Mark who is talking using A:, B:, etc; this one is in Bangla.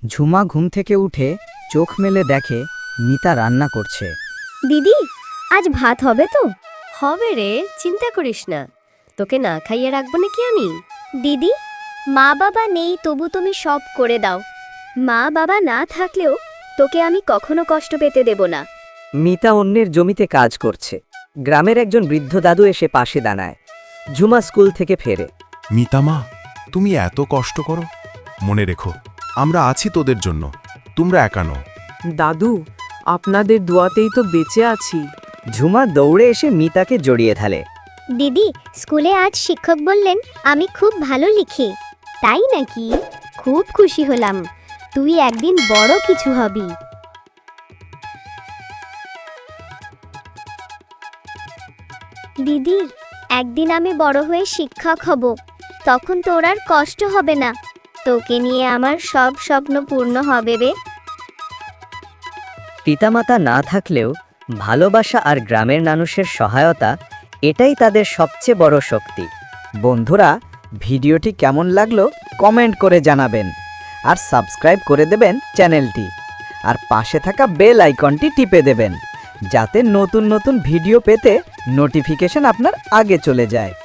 A: ঝুমা ঘুম থেকে উঠে চোখ মেলে দেখে মিতা রান্না করছে।
B: দিদি, আজ ভাত হবে তো?
C: হবে রে, চিন্তা করিস না। তোকে না খাইয়ে রাখবো নাকি আমি?
B: দিদি, মা বাবা নেই তবু তুমি সব করে দাও। মা বাবা না থাকলেও তোকে আমি কখনো কষ্ট পেতে দেব না।
D: মিতা অন্যের জমিতে কাজ করছে। গ্রামের একজন বৃদ্ধ দাদু এসে পাশে দাঁড়ায়। ঝুমা স্কুল থেকে ফেরে।
E: মিতামা, তুমি এত কষ্ট করো, মনে রেখো আমরা আছি তোদের জন্য, তোমরা একা নও।
F: দাদু, আপনাদের দোয়াতেই তো বেঁচে আছি।
D: ঝুমা দৌড়ে এসে মিতাকে জড়িয়ে ধরে।
B: দিদি, স্কুলে আজ শিক্ষক বললেন আমি খুব ভালো লিখি। তাই নাকি? খুব খুশি হলাম। তুই একদিন বড় কিছু হবি। দিদি, একদিন আমি বড় হয়ে শিক্ষক হব। তখন তোর আর কষ্ট হবে না। তোকে নিয়ে আমার সব স্বপ্ন পূর্ণ হবে রে।
D: পিতামাতা না থাকলেও ভালোবাসা আর গ্রামের মানুষের সহায়তা, এটাই তাদের সবচেয়ে বড় শক্তি।
A: বন্ধুরা, ভিডিওটি কেমন লাগলো কমেন্ট করে জানাবেন আর সাবস্ক্রাইব করে দেবেন চ্যানেলটি আর পাশে থাকা বেল আইকনটি টিপে দেবেন যাতে নতুন নতুন ভিডিও পেতে নোটিফিকেশন আপনার আগে চলে যায়।